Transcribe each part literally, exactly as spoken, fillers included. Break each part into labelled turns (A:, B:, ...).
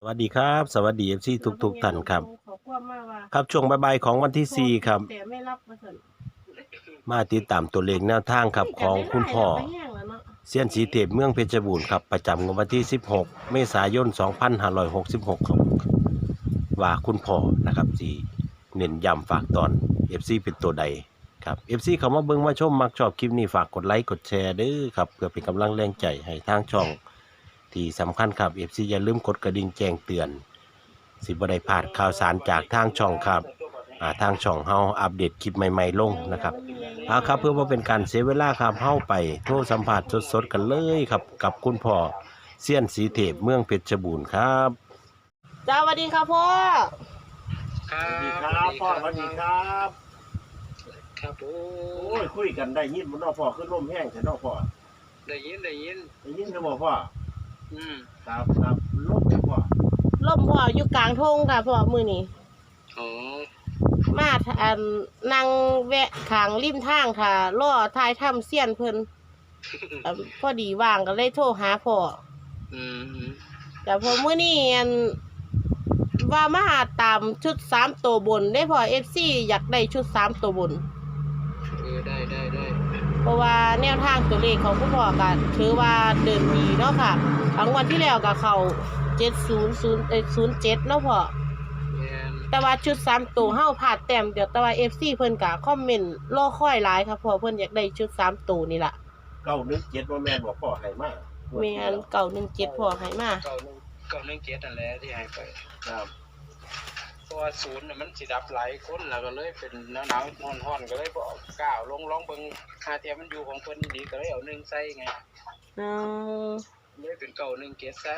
A: สวัสดีครับสวัสดีเอฟซีทุกทุกท่านครับ
B: ขอความมาว่า
A: ครับช่วงบ่ายๆของวันที่สี่ครับ
B: แต่ไม่รับมาเถิด
A: มาติดตามตัวเลขแนวทางครับของคุณพ่อเซียนสีเทพเมืองเพชรบูรณ์ครับประจำวันที่สิบหกเมษายนสองพันห้าร้อยหกสิบหกครับว่าคุณพ่อนะครับสีเน้นย้ำฝากตอน เอฟ ซี เป็นตัวใดครับ เอฟ ซี เข้ามาเบิ่งมาชมมักชอบคลิปนี้ฝากกดไลค์กดแชร์เด้อครับเพื่อเป็นกำลังแรงใจให้ทางช่องที่สำคัญครับ เอฟ ซี อย่าลืมกดกระดิ่งแจ้งเตือนสิบ่ได้พลาดข่าวสารจากทางช่องครับอ่าทางช่องเฮาอัปเดตคลิปใหม่ๆลงนะครับเอาครับเพื่อว่าเป็นการเสียเวลาครับเฮาไปโทรสัมผัสสดๆกันเลยครับกับคุณพ่อเซียนสีเทพเมืองเพชรบูรณ์ครับ
B: จ้าสวัสดีครับพ่อ
C: ครั
D: สวัสดีค
C: บ
D: รับพ่อสวัสดีครับ
C: ครับโอ้
D: โอ้ยคุยกันได้ยินมันนอพ่อขึ้นร่มแห้งแต่นอพ่อ
C: ได้ยินได้ยิน
D: ได้ยินนะบ่พ่อ
C: อืม
D: ครับครับร่มเนี่ยพ่อ
B: ล่มพ่ออยู่กลางทงค่ะพ่อมือนี้
C: อ๋อ
B: มาอันนั่งแวะขางริมทางค่ะล่อทายถ้ำเสี้ยนเพิ่นเอิ่มพอดีว่างก็เลยโทรหาพ่อ
C: อืม
B: แต่พอมื้อนี้อันว่ามาตามชุดสามตัวบนได้พ่อ เอฟ ซี อยากได้ชุดสามตัวบน
C: เออได้ได้ได้
B: เพราะว่าแนวทางตัวเลขของคุณพ่อก็ถือว่าเดินดีเนาะค่ะทั้งวันที่แล้วก็เข้าเจ็ดศูนย์ ศูนย์เอ้ยศูนย์เจ็ดเนาะพ่อ
C: แม่น
B: แต่ว่าชุดสามตัวเฮาพลาดแต้มเดียวแต่ว่า เอฟ ซี เพิ่นก็คอมเมนต์รอคอยหลายครับเพราะเพิ่นอยากได้ชุดสามตัวนี่ล่ะ
D: เก้านึกเจ็ดว่าแม่นบอกพ่อให้มา
B: แม่นเก้าหนึ่งเจ็ดพ่อให้มา
C: เก้าหนึ่งเก้าหนึ่งเจ็ดนั่นแหละที่ให้ไป
D: ครับ
C: เพราะว่าศูนย์น่ะมันสิดับหลายคนแล้วก็เลยเป็นหนาวหนาวร้อนร้อนก็เลยบ่กล้าลงลองเบิ่งหาเทียมมันอยู่ของเพิ่นดีก็เลยเอาหนึ่งใส่ไง
B: อือ
C: เลยเป็นเก้าหนึ่งเจ็ดซะ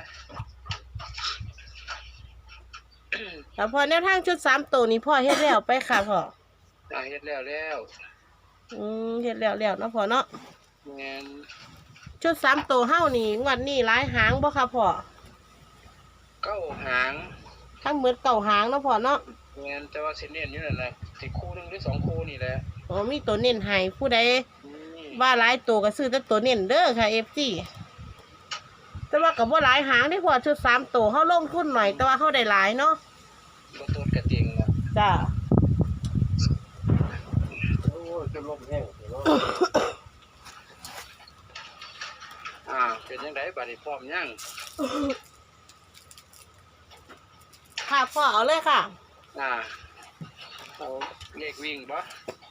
B: แล้วพอแนวทางชุดสามตัวนี้พ่อเฮ็ดแล้วไปค่ะพ่อ
C: อ่าเฮ็ดแล้วแล้ว
B: อืมเฮ็ดแล้วแล้วเนาะพ่อเนาะ
C: แม่น
B: ชุดสามตัวเฮานี่งวดนี้หลายหางบ่ค่ะพ่อ
C: เก้าหาง
B: ทั้งหมดเก้าหางเนาะพ่อเนาะ
C: แม่นแต่ว่าสิเน้นอยู่นั่นแหละสิคู่หนึงหรือสองคู่นี่แหละ
B: อ๋อมีตัวเน้นให้ผู้ใดว่าหลายตัวก็ซื้อแต่ตัวเน้นเด้อค่ะ เอฟ ซี แต่ว่าก็บ่หลายหางเด้พ่อชุดสามตัวเฮาลงทุนหน่อยแต่ว่าเฮาได้หลายเนาะ
C: บ่ต้นกระเตียงนะ
B: จ้า
D: โอ้ยจะร่มแห้งเนาะ
C: อ่าเป็นจังไดบัดนี้พร้อมยัง
B: ค่ะพ่อเอาเลยค่ะ
C: อ่าเอาเลขวิ่งบ่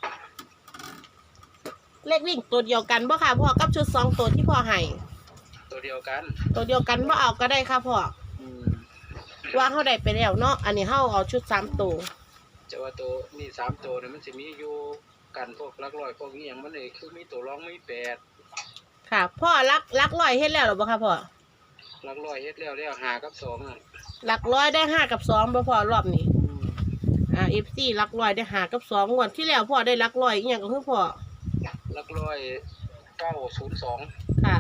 B: เลขวิ่งตัวเดียวกันบ่ค่ะพ่อกับชุดสองตัวที่พ่อให้
C: ตัวเดียวกัน
B: ตัวเดียวกันบ่เอาก็ได้ค่ะพ่อ
C: อืม
B: ว่าเฮาได้ไปแล้วเนาะอันนี้เฮาเอาชุดสามตัว
C: จะว่าตัวนี่สามตัวเนี่ยมันสิมีอยู่กันพวกหลักร้อยพวกนี้หยังมันนี่คือมีตัวรองมีแปด
B: ค่ะพ่อรักรักร้อยเฮ็ดแล้วหรือบ่ค่ะพ่อ
C: หลักร้อยเฮ็ดแล้วแล้วห้ากับสองอ่ะ
B: หลักร้อยได้ห้ากับสองบ่พ่อรอบนี้อ่า เอฟ ซี หลักร้อยได้ห้ากับสองงวดที่แล้วพ่อได้หลักร้อยอีหยังก็คือพ่อ
C: หลักร้อยเก้าศูนย์สอง
B: ค่ะ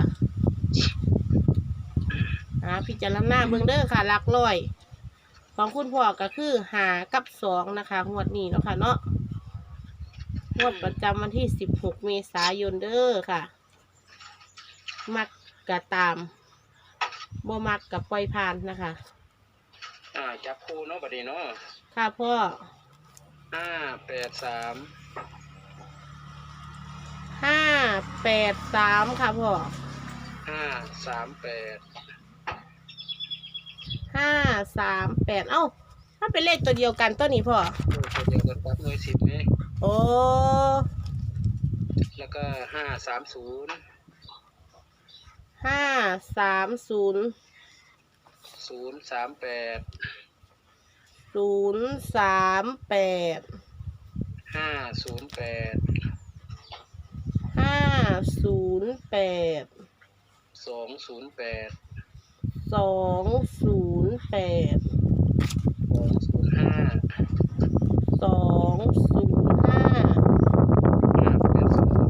B: อ่าพิจารณาเบิ่งเด้อค่ะหลักร้อยของคุณพ่อก็คือห้ากับสองนะคะงวดนี้เนาะค่ะเนาะงวดประจำวันที่สิบหกเมษายนเด้อค่ะมักกะตามบ่มักกับปล่อยผ่านนะคะ
C: อ่าจับคู่เนาะบัดนี้เนาะ
B: ค่ะพ่อ
C: ห้าแปดสาม
B: ห้าแปดสามค่ะพ่อ
C: ห้าสามแปด
B: ห้าสามแปดเอ้าถ้าเป็นเลขตัวเดียวกันตัวนี้พ่อ
C: ตัวเดียวกันครับหน่วยสิบนี่
B: โอ้
C: แล้วก็ห้าสามศูนย์
B: ห้าสามศูนย์
C: ศูนย์สามแปด
B: ศูนย์สามแปด
C: ห้าศูนย์แปด
B: ห้าศูนย์แปด
C: สองศูนย์แปด
B: สองศูนย์แปด
C: สองศูนย์ห้า
B: สองศูนย์ห้า
C: ห้าแปดสอง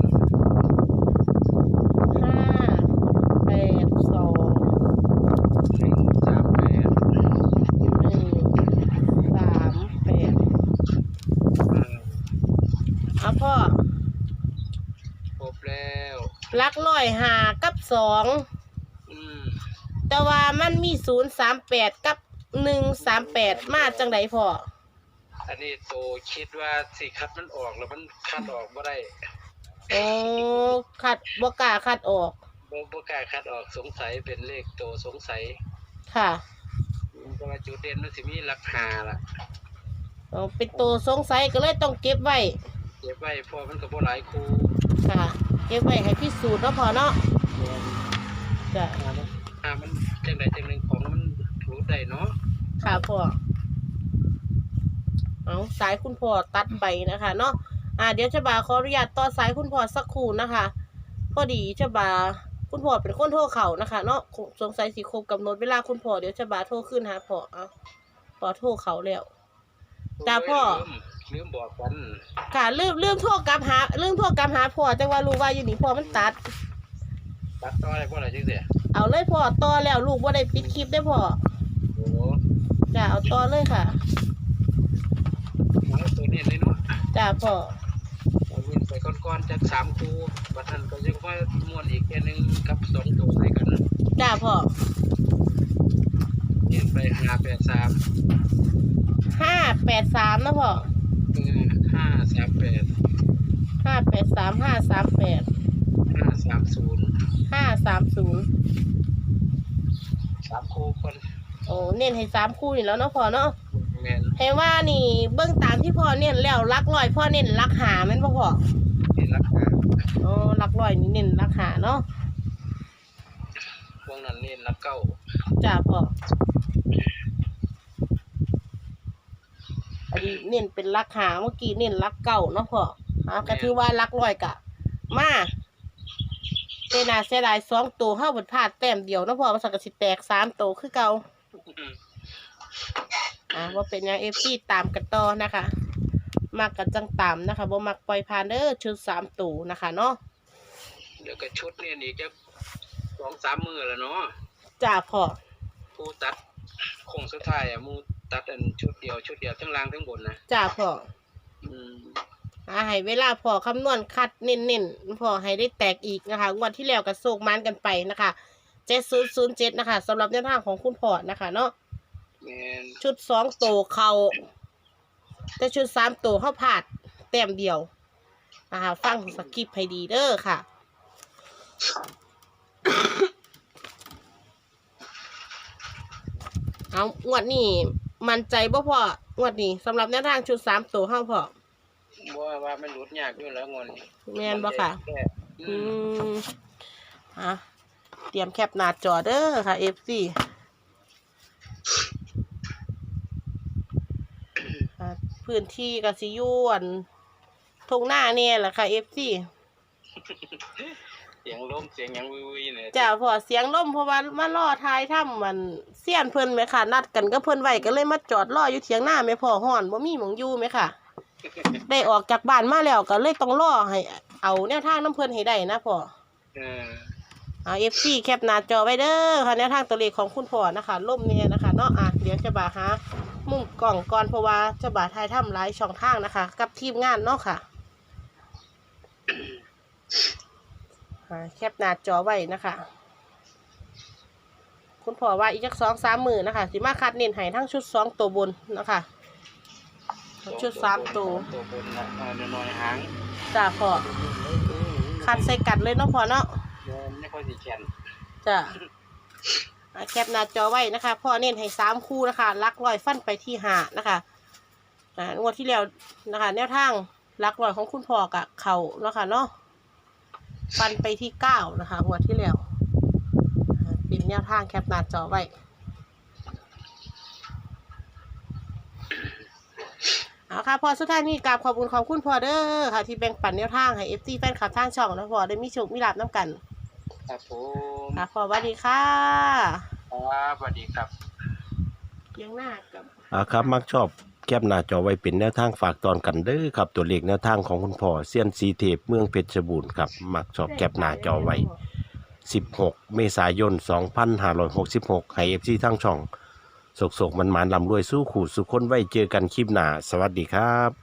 B: ห้าแปดสอง
C: หนึ่งสามแปด
B: หนึ่งสามแปดเอาพ่อ
C: ครบแล้ว
B: ลักร้อยหากับสอง
C: อืม
B: แต่ว่ามันมีศูนย์สามแปดกับหนึ่งสามแปดมาจังไดพ่อ
C: อันนี้โตคิดว่าสิคัดมันออกแล้วมันคัดออกบ่ได้
B: โอ้คัดบ่กล้าคัดออก
C: บ่บ่กล้าคัดออกสงสัยเป็นเลขโตสงสัย
B: ค่ะ
C: เพราะว่าจุดเด่นมันสิมีหลักหาล่ะ
B: อ๋อเป็นตัวสงสัยก็เลยต้องเก็บไว้
C: เก็บไว้เพราะมันก็บ่หลายคู่
B: ค่ะ เก็บไว้ให้พิสูจน์เนาะพ่อเนาะจ้ะ
C: อ่ามันจังใดจังหนึ่งของมันรู้ได้เนาะ
B: ค่ะพ่อเอาสายคุณพ่อตัดไปนะคะเนาะอ่าเดี๋ยวจะบาขออนุญาตต่อสายคุณพ่อสักครู่นะคะพอดีจะบาคุณพ่อเป็นคนโทรเขานะคะ เนาะสงสัยสิครบกำหนดเวลาคุณพ่อเดี๋ยวจะบาโทรขึ้นหาพ่อเอาพ่อโทรเขาแล้ว จ้าพ่อ
C: ลืมลืมบอกกัน
B: ค่ะลืมลืมโทรกลับหาลืมโทรกลับหาพ่อจังว่าลูกว่าอยู่นี่พ่อมันตัด
C: ตัดต่อได้บ่ล่ะจังซี่
B: เอาเลยพ่อต่อแล้วลูกว่าได้ปิดคลิปได้อพ่อ
C: โอ้
B: จ้าเอาต่อเลยค่ะ
C: เอาตัวนี้เลยเนาะ
B: จ้าพ่อ
C: เอาเงินไปก่อนๆจากสามคู่บัดนั้นก็ยังว่าม่วนอีกแค่หนึงกับสองตัวให้กัน
B: จ้าพ่อ
C: เงินไปห้าแปดสาม
B: ห้าแปดสามนะพ่อ
C: เออห้าสามแปด
B: ห้าแปดสามห้าสามแปด
C: ห้าสามศูนย์
B: ห้าสามศูนย์
C: สามคู่คน
B: โอ้เน้นให้สามคู่นี่แล้วเนาะพ่อเนาะ
C: แม่น
B: ให้ว่านี่เบื้องตามที่พ่อเน้นแล้วรักร้อยพ่อเน้นรักหาแม่นบ่พ่อ
C: นี่ราคา
B: อ๋อรักร้อยนี่เน้นรักหาเนาะ
C: พวกนั้นนี่รักเก้า
B: จ้าพ่ออันนี้เน้นเป็นรักหาเมื่อกี้เน้นรักเก่าเนาะพ่ออ่าก็ถือว่ารักร้อยกะมาเจนาเสียดายสองตัวเข้าบนพลาดแต้มเดียวเนาะพ่อมันสักกะสิแตกสามตัวคือเก่า อ่าว่าเป็นยังเอฟซีตามกันต่อนะคะมักกันจังตามนะคะบ่มักปล่อยผ่านเด้อชุดสามตู่นะคะเนาะ
C: เดี๋ยวก็ชุดนี่นี่จะสองสามมือแล้วเนาะ
B: จ้าพ่อ
C: ผู้ตัดโคงสุดท้ายอ่ะมูตัดอันชุดเดียวชุดเดียวทั้งล่างทั้งบนนะ
B: จ้าพ่อ
C: อืม
B: อ่าให้เวลาพ่อคำนวณคัดเน้นๆพ่อให้ได้แตกอีกนะคะงวดที่แล้วก็โศกมันกันไปนะคะเจ็ดศูนย์ศูนย์เจ็ดนะคะสำหรับแนวทางของคุณพ่อนะคะเนาะ
C: แม่น
B: ชุดสองตัวเขาแต่ชุดสามตัวเข้าผาดแต้มเดียวนะคะฟังสกิปให้ดีเด้อค่ะ เอางวดนี้มั่นใจบ่พองวดนี้สำหรับแนวทางชุดสามตัวเข้าพอ
C: บ่ว่าว่ามันหลุดยากอยู่แล้วงอน
B: แม่นบ่ค่ะ
C: แค่อื
B: อื
C: ม
B: มอ่ะเตรียมแคปหน้าจอเด้อค่ะ เอฟ ซี อ่ะพื้นที่กสิอยุนทงหน้าเนี่ยแหละค่ะ เอฟ ซี
C: เสียงลมเสียงหยังวุ้ยๆเนี่ย
B: จ้าพอเสียงล่มเพราะว่ามาล่อทายถ้ำมันเสี้ยนเพิ่นไหมค่ะ นัดกันก็เพิ่นไว้ก็เลยมาจอดรออยู่เถียงหน้าไม่พอห่อนบ่มีหมองอยู่ไหมค่ะ ได้ออกจากบ้านมาแล้วก็เลยต้องรอให้เอาแนวทางน้ำเพิ่นให้ได้นะพ่อ
C: เออ
B: เอา เอฟ ซี แคปหน้าจอไว้เด้อค่ะแนวทางตัวเลขของคุณพ่อนะคะล่มเนี่ยนะคะเนาะอ่ะเดี๋ยวจะบาหามุมกล่องก่อนเพราะว่าจะบาทายถ้ำหลายช่องทางนะคะ กับทีมงานเนาะค่ะอ่ะแคปหน้าจอไว้นะคะ คุณพ่อว่าอีกจักสองสามหมื่นนะคะสิมาคัดเน้นให้ทั้งชุดสองตัวบนนะคะชุดสามตัว
C: ตัวบนนะเออน้อยๆหาง
B: จ้าพ่อคัดใส่กัดเลยเนาะพ่อเนาะ
C: เดินไม่ค่อยสิแข็ง
B: จ้ะอ่ะแคปหน้าจอไว้นะคะพ่อเน้นให้สามคู่นะคะลักลอยฟันไปที่หานะคะอ่างวดที่แล้วนะคะ แนวทางลักลอยของคุณพ่อกับเขาเนาะค่ะเนาะฟันไปที่เก้านะคะงวดที่แล้วอ่าเป็นแนวทางแคปหน้าจอไว้เอาค่ะพอสุดท้ายนี้กราบขอบคุณของคุณพ่อเด้อค่ะ ที่แบ่งปันแนวทางให้เอฟซีแฟนคลับทางช่องแล้วพ่อได้มีโชคมีลาภน้ำกัน
C: ครับผม
B: ค่ะพ่อสวัสดีค่ะ
C: ครับสวัสดีครับ
B: เลี้ยงหน้ากับ
A: อ่าครับมักชอบแคปหน้าจอไว้เป็นแนวทางฝากตอนกันเด้อครับตัวเลขแนวทางของคุณพ่อเซียนสีเทพเมืองเพชรบูรณ์ครับมักชอบแคปหน้าจอไว้สิบหกเมษายนสองพันห้าร้อยหกสิบหกให้ เอฟ ซี ทั้งช่องสกๆมันๆลำรวยสู้ขู่สุขคนไว้เจอกันคลิปหน้าสวัสดีครับ